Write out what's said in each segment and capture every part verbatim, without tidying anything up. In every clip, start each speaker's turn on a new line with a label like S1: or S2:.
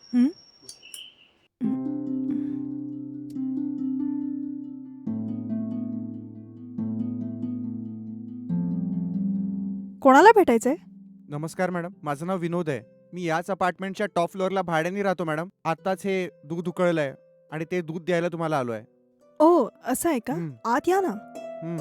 S1: हं? हं. कोणाला भेटायचंय?
S2: नमस्कार मॅडम, माझं नाव विनोद आहे. मी याच अपार्टमेंटच्या टॉप फ्लोअरला भाड्याने राहतो मॅडम. आत्ताच हे दूध उकळलंय आणि ते दूध द्यायला तुम्हाला आलोय.
S1: ओह! असं आहे का?
S2: हं,
S1: आत या ना.
S2: हं.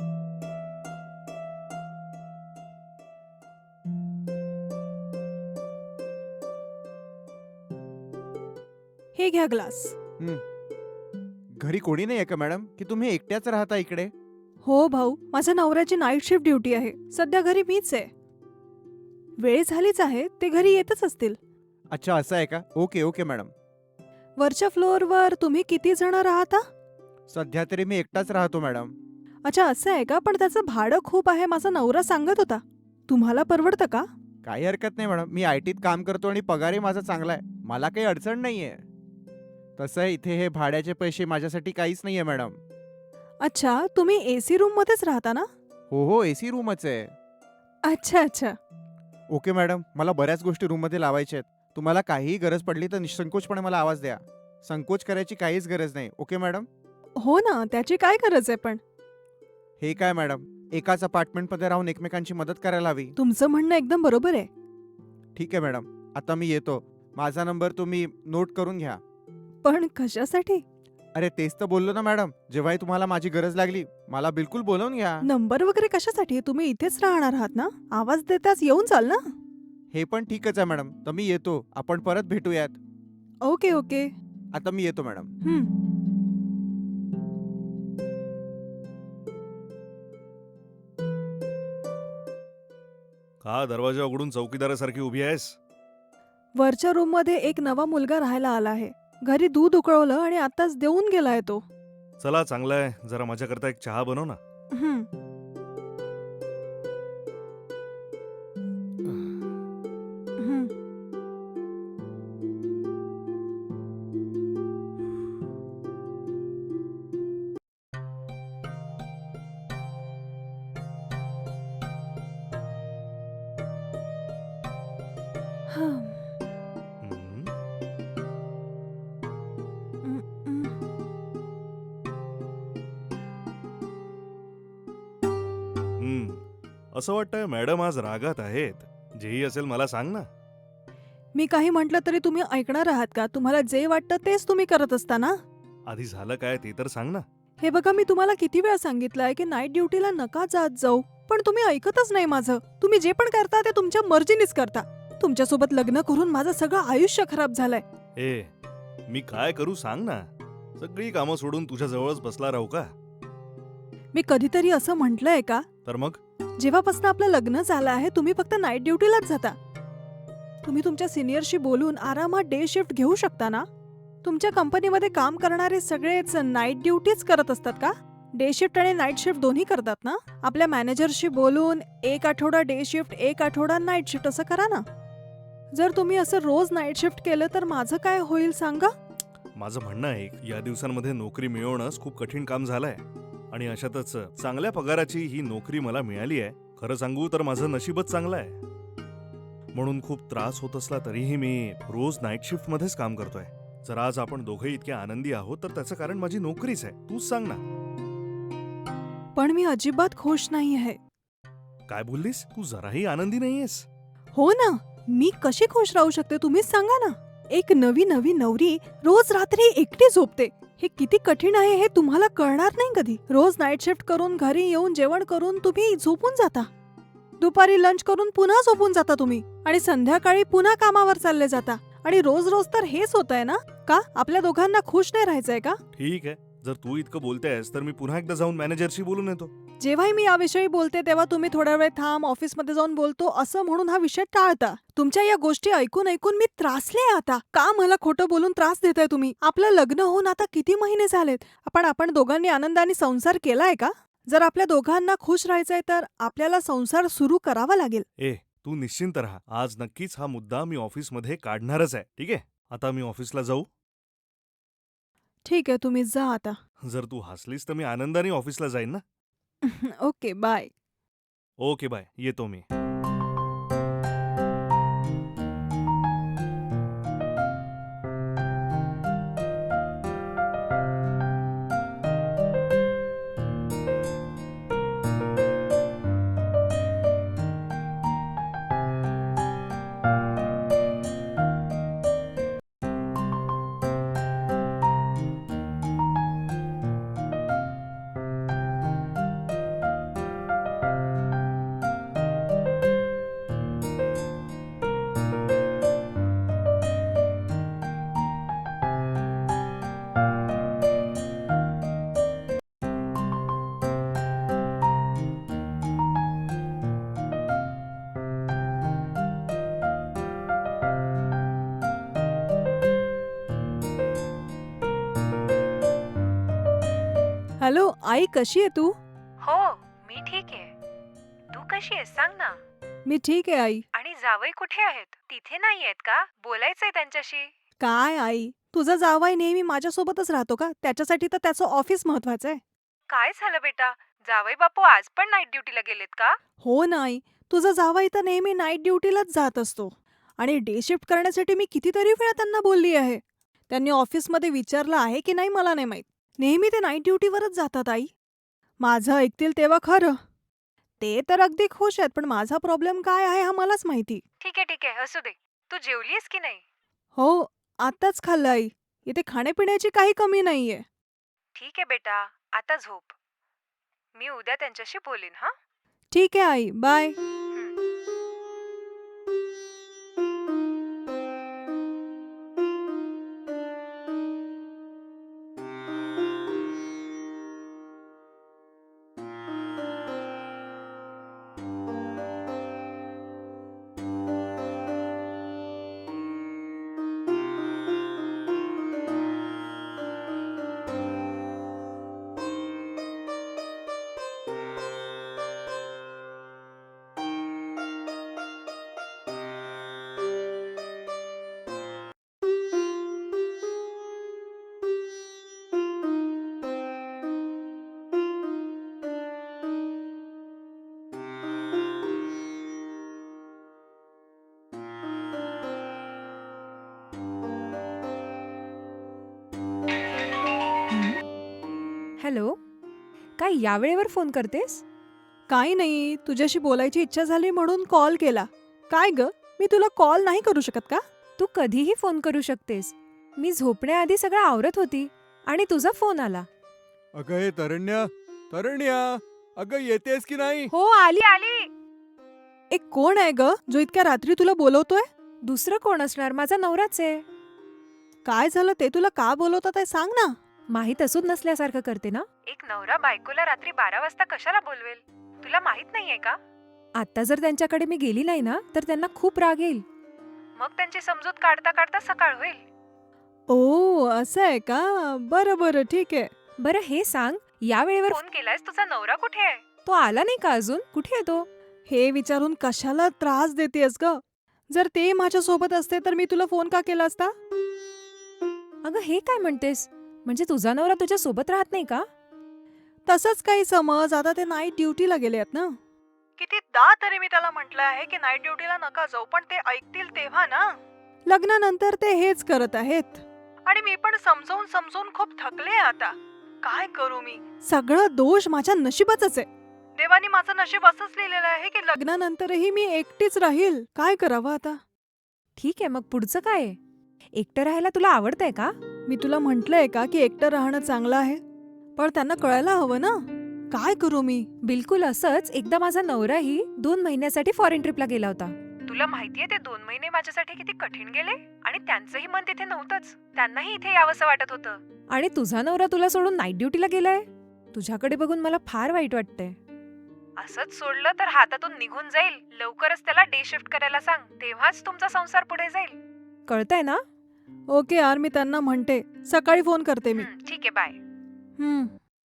S1: हे घ्या ग्लास.
S2: हं. घरी कोणी नाहीये का मॅडम, की तुम्ही एकट्याच राहता इकडे?
S1: हो भाऊ, माझ्या नवऱ्याची नाईट शिफ्ट ड्युटी आहे. सध्या घरी मीच आहे. वेळ झालीच आहे, ते घरी येतच असतील.
S2: अच्छा, असं आहे का? Okay, okay madam.
S1: वरच्या फ्लोअरवर तुम्ही किती जण राहता?
S2: सध्या तरी मी एकटाच राहतो मॅडम.
S1: अच्छा, असं आहे का? पण त्याचं भाडं खूप आहे, माझा नवरा सांगत होता. तुम्हाला परवडतं का?
S2: काही हरकत नाही मॅडम. मी आयटीत काम करतो आणि पगारही माझा चांगला आहे. मला काही अडचण नाहीये. तसं इथे हे भाड्याचे पैसे माझ्यासाठी काहीच नाहीये मॅडम.
S1: अच्छा, तुम्ही एसी रूममध्येच राहता ना?
S2: हो, हो, एसी रूमच आहे.
S1: अच्छा, अच्छा.
S2: ओके मॅडम, मला बऱ्याच गोष्टी रूममध्ये लावायच्या आहेत. तुम्हाला काहीही गरज पडली तर निःसंकोचपणे मला आवाज द्या. संकोच करायची काहीच गरज नाही. Okay madam?
S1: हो ना, त्याची काय गरज आहे पण?
S2: हे काय मॅडम, एकाच अपार्टमेंटमध्ये राहून एकमेकांची मदत करायला हवी.
S1: तुमचं म्हणणं एकदम बरोबर आहे.
S2: ठीक आहे मॅडम, आता मी येतो. माझा नंबर तुम्ही नोट करून घ्या.
S1: पण कशासाठी?
S2: अरे तेच तर बोललो ना मॅडम, जेव्हाही तुम्हाला माझी गरज लागली, मला बिलकुल बोलावून घ्या.
S1: नंबर वगैरे कशासाठी? तुम्ही इथेच राहणार आहात ना? आवाज देताच येऊन चाल ना.
S2: हे पण ठीकच आहे मॅडम, तर मी येतो. आपण परत भेटूयात.
S1: Okay, okay.
S2: आता मी येतो मॅडम.
S1: हं.
S3: का दरवाजा उघडून चौकीदारासारखी उभी आहेस?
S1: वरच्या रूममध्ये एक नवा मुलगा राहायला आला आहे. घरी दूध उकळवलं आणि आत्ताच देऊन गेलाय तो.
S3: चला चांगलं आहे, जरा माझ्याकरता एक चहा बनव ना.
S1: हं. हं. हं.
S3: हम्म,
S1: हं, हं.
S3: हम्म. असं वाटतंय मॅडम आज रागात आहेत. जेही असेल मला सांग ना.
S1: मी काही म्हटलं तरी तुम्ही ऐकणार आहात का? तुम्हाला जे वाटतं तेच तुम्ही करत असता ना?
S3: आधी झालं काय ते तर सांग ना.
S1: हे बघा, मी तुम्हाला किती वेळा सांगितलंय की नाईट ड्युटीला नका जात जाऊ. पण तुम्ही ऐकतच नाही माझं. तुम्ही जे पण करता ते तुमच्या मर्जीनीच करता. तुमच्यासोबत लग्न करून माझं सगळं आयुष्य खराब झालंय.
S3: ए, मी काय करू सांग ना. सगळी कामं सोडून तुझ्या जवळच बसला राहू का?
S1: मी कधीतरी असं म्हटलंय का?
S3: तर मग
S1: जेव्हापासून आपलं लग्न झालं आहे तुम्ही फक्त नाईट ड्युटीलाच जाता. तुम्ही तुमच्या सिनियरशी बोलून आरामात डे शिफ्ट घेऊ शकता ना? तुमच्या कंपनीमध्ये काम करणारे सगळेच नाईट ड्युटीच करत असतात का? डे शिफ्ट आणि नाईट शिफ्ट दोन्ही करतात ना? आपल्या मॅनेजरशी बोलून एक आठवडा डे शिफ्ट, एक आठवडा नाईट शिफ्ट असं करा ना. जर तुम्ही असं रोज नाईट शिफ्ट केलं तर माझं काय होईल सांगा?
S3: माझं म्हणणं आहे, या दिवसांमध्ये नोकरी मिळवणंच खूप कठीण काम झालंय. आणि अशातच चांगल्या पगाराची ही नोकरी मला मिळाली आहे. खरं सांगू तर माझं नशीबच चांगलं आहे. म्हणून खूप त्रास होत असला तरीही मी रोज नाईट शिफ्ट मध्येच काम करतोय. जर आज आपण दोघे इतके आनंदी आहोत तर त्याचं कारण माझी नोकरीच आहे. तूच सांग ना.
S1: पण मी अजिबात खुश नाही आहे.
S3: काय बोललीस? तू जराही आनंदी नाहीयेस.
S1: हो ना, मी कशी खुश राहू शकते तुम्हीच सांगा ना. एक नवी नवी नवरी रोज रात्री एकटी झोपते. हे किती कठीण आहे हे तुम्हाला कळणार नाही कधी. रोज नाईट शिफ्ट करून घरी येऊन जेवण करून तुम्ही झोपून जाता. दुपारी लंच करून पुन्हा झोपून जाता तुम्ही आणि संध्याकाळी पुन्हा कामावर चालले जाता. आणि रोज रोज तर हेच होतंय ना? का आपल्या दोघांना खुश नाही राहायचंय का?
S3: ठीक आहे, जर तू इतकं बोलतेस तर मी पुन्हा एकदा जाऊन मॅनेजरशी बोलून येतो.
S1: जेव्हाही मी याविषयी बोलते तेव्हा तुम्ही थोडा वेळ थांब, ऑफिसमध्ये जाऊन बोलतो असं म्हणून हा विषय टाळता. तुमच्या या गोष्टी ऐकून ऐकून मी त्रासले आता. का मला खोटं बोलून त्रास देताय तुम्ही? आपलं लग्न होऊन आता किती महिने झालेत. आपण आपण दोघांनी आनंदाने संसार केलाय का? जर आपल्या दोघांना खुश राहायचंय तर आपल्याला संसार सुरू करावा लागेल.
S3: ए, तू निश्चिंत राहा. आज नक्कीच हा मुद्दा मी ऑफिसमध्ये काढणारच आहे. ठीक आहे, आता मी ऑफिसला जाऊ.
S1: ठीक आहे, तुम्ही जा आता.
S3: जर तू हसलीस तर मी आनंदाने ऑफिसला जाईन ना.
S1: Okay, bye.
S3: ओके बाय, येतो मी.
S1: हॅलो आई, कशी आहे तू?
S4: हो, मी ठीक आहे. तू कशी आहेस सांग ना.
S1: मी ठीक आहे आई.
S4: आणि जावई कुठे आहेत? तिथे नाही आहेत का? बोलायचंय त्यांच्याशी.
S1: काय आई, तुझा जावई नेहमी माझ्यासोबतच राहतो का? त्याच्यासाठी तर त्याचं ऑफिस महत्वाचं आहे.
S4: काय झालं बेटा? जावई बापू आज पण नाईट ड्युटीला गेलेत का?
S1: हो ना आई, तुझा जावई तर नेहमी नाईट ड्युटीलाच जात असतो. आणि डे शिफ्ट करण्यासाठी मी कितीतरी वेळा त्यांना बोलली आहे. त्यांनी ऑफिसमध्ये विचारलं आहे की नाही मला नाही माहीत. नेहमी ते नाईट ड्युटीवरच जातात आई. माझं ऐकतील तेव्हा खरं. ते तर अगदी खुश आहेत, पण माझा प्रॉब्लेम काय आहे हा मलाच माहिती.
S4: ठीक आहे ठीक आहे, असू दे. तू जेवलीस की नाही?
S1: हो, आत्ताच खाल्लं आई. इथे खाण्यापिण्याची काही कमी नाहीये.
S4: ठीक आहे बेटा, आता झोप. मी उद्या त्यांच्याशी बोलीन हा.
S1: ठीक आहे आई, बाय.
S4: हॅलो, काय या वेळेवर फोन करतेस?
S1: काही नाही, तुझ्याशी बोलायची इच्छा झाली म्हणून कॉल केला. काय ग, मी तुला कॉल नाही करू शकत का?
S4: तू कधीही फोन करू शकतेस. मी झोपण्याआधी सगळं आवरत होती आणि तुझा फोन आला.
S2: अगं हे तरण्या, तरण्या, अगं येतेस की नाही?
S4: हो, आली आली.
S1: एक कोण आहे ग जो इतक्या रात्री तुला बोलवतोय?
S4: दुसरं कोण असणार? माझा नवराच आहे.
S1: काय झालं ते तुला का बोलवतात आहे सांग ना.
S4: माहित असून नसल्यासारखं करते ना. एक नवरा बायकोला रात्री बारा वाजता कशाला बोलवेल? तुला माहित नाहीये का? आता जर त्यांच्याकडे मी गेली नाही ना तर त्यांना खूप राग येईल. मग त्यांची समजूत काढता काढता सकाळ होईल.
S1: ओ, असं आहे का? बरं बरं, ठीक आहे.
S4: बरं हे सांग, या वेळेवर फोन केलायस, तुझा नवरा कुठे आहे? तो आला नाही का अजून? कुठे आहे तो?
S1: हे विचारून कशाला त्रास देतेस ग? जर ते माझ्यासोबत असते तर मी तुला फोन का केला असता?
S4: अगं हे काय म्हणतेस? म्हणजे तुझा नवरा तुझ्या सोबत राहत नाही का?
S1: तसंच काही समज. आता ते नाईट ड्युटीला गेले आहेत ना. कितीदा तरी मी त्याला म्हटलं आहे की नाईट ड्युटीला नका जाऊ, पण ते ऐकतील तेव्हा ना. लग्नानंतर ते हेच करत आहेत. आणि मी पण समजावून समजावून खूप थकले आता. काय करू मी? सगळं दोष माझ्या नशिबाचाच आहे. देवानी माझं नशीब असंच लिहिलेलं आहे की लग्नानंतरही मी एकटीच राहील. काय करावं आता?
S4: ठीक आहे, मग पुढचं काय आहे? एकटं राहायला तुला आवडतंय का?
S1: मी तुला म्हंटलंय का की एकटं राहणं चांगलं आहे? पण त्यांना कळायला हवं ना. काय करू मी?
S4: बिलकुल असंच एकदा माझा नवराही दोन महिन्यासाठी फॉरेन ट्रिपला गेला होता. तुला माहितीये ते दोन महिने माझ्यासाठी किती कठीण गेले? आणि त्यांचंही मन तिथे नव्हतंच. त्यांनाही इथे यावंसं वाटत होतं. आणि तुझा नवरा तुला सोडून नाईट ड्युटीला गेलाय? तुझ्याकडे बघून मला फार वाईट वाटतंय. असंच सोडलं तर हातातून निघून जाईल. लवकरच त्याला डे शिफ्ट करायला सांग, तेव्हाच तुमचा संसार पुढे जाईल. कळतंय ना?
S1: ओके यार, मी त्यांना म्हणते. सकाळी फोन करते मी.
S4: हं, ठीक आहे, बाय.
S1: हम्म.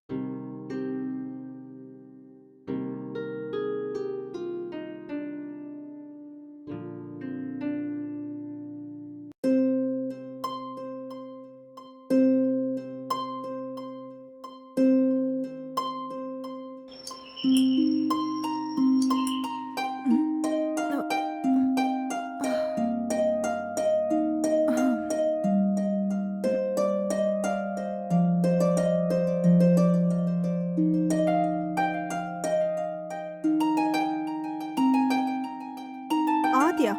S1: आत या.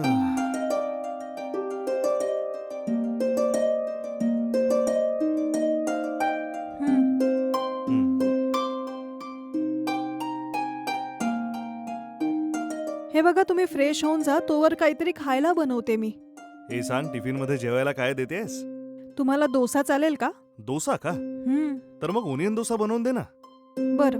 S1: हम्म. हे बघा, तुम्ही फ्रेश होऊन जा, तोवर काहीतरी खायला बनवते मी.
S3: हे सांग, टिफिन मध्ये जेवायला काय देतेस?
S1: तुम्हाला डोसा चालेल का?
S3: डोसा का?
S1: हम्म.
S3: तर मग ओनियन डोसा बनवून दे ना.
S1: बरं.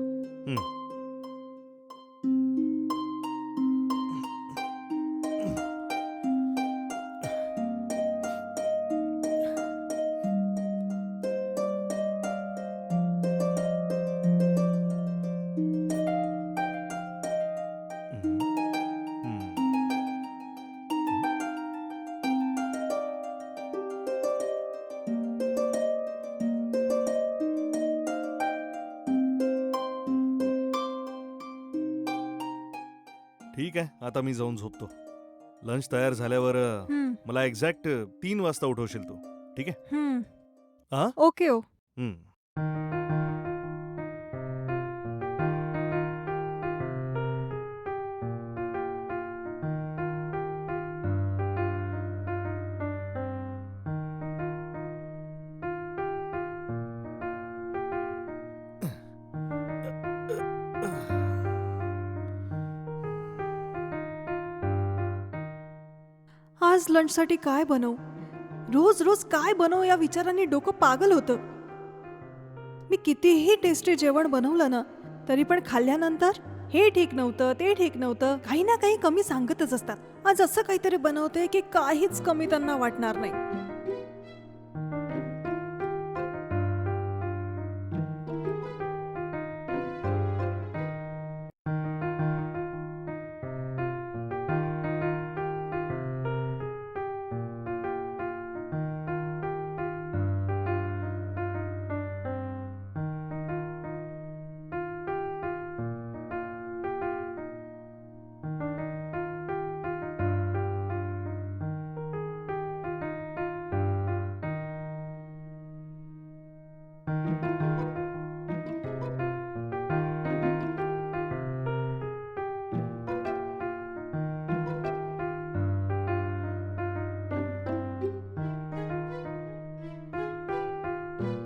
S3: ठीक आहे, आता मी जाऊन झोपतो. लंच तयार झाल्यावर अ,
S1: हं,
S3: मला एक्झॅक्ट तीन वाजता उठवशील तू, ठीक आहे?
S1: हं.
S3: आ?
S1: ओके ओ
S3: हं.
S1: आज लंचसाठी काय बनवू? रोज रोज काय बनवू या विचाराने डोकं पागल होतं. मी कितीही टेस्टी जेवण बनवलं ना तरी पण खाल्ल्यानंतर हे ठीक नव्हतं, ते ठीक नव्हतं, काही ना काही कमी सांगतच असतात. आज असं काहीतरी बनवते की काहीच कमी त्यांना वाटणार नाही.